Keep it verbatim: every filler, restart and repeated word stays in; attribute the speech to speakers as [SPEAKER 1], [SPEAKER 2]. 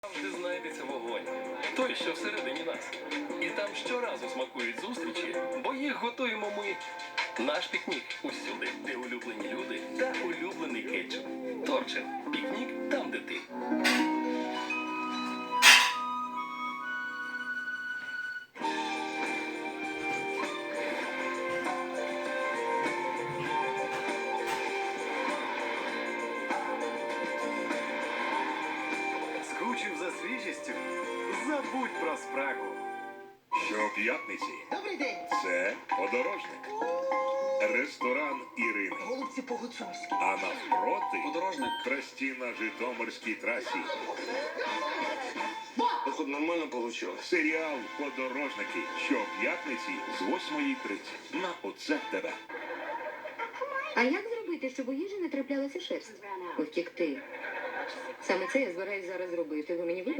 [SPEAKER 1] Завжди знайдеться вогонь. Той, що всередині нас. І там щоразу смакують зустрічі, бо їх готуємо ми. Наш пікнік усюди, де улюблені люди та улюблений кетчуп. Торчин. Пікнік там, де ти.
[SPEAKER 2] Скучив за свіжістю? Забудь про спрагу.
[SPEAKER 3] Щоп'ятниці
[SPEAKER 4] Добрий день.
[SPEAKER 3] це подорожник. Ресторан Ірини.
[SPEAKER 4] Голубці по-гуцульськи.
[SPEAKER 3] А навпроти
[SPEAKER 2] Подорожник.
[SPEAKER 3] трасті на Житомирській трасі.
[SPEAKER 2] Тут нормально вийшло.
[SPEAKER 3] Серіал «Подорожники» щоп'ятниці з восьмої тридцять на Оце тебе.
[SPEAKER 5] А як зробити, щоб у їжі не траплялася шерсть? Втікти. Саме це я збираюсь зараз зробити. Ви мені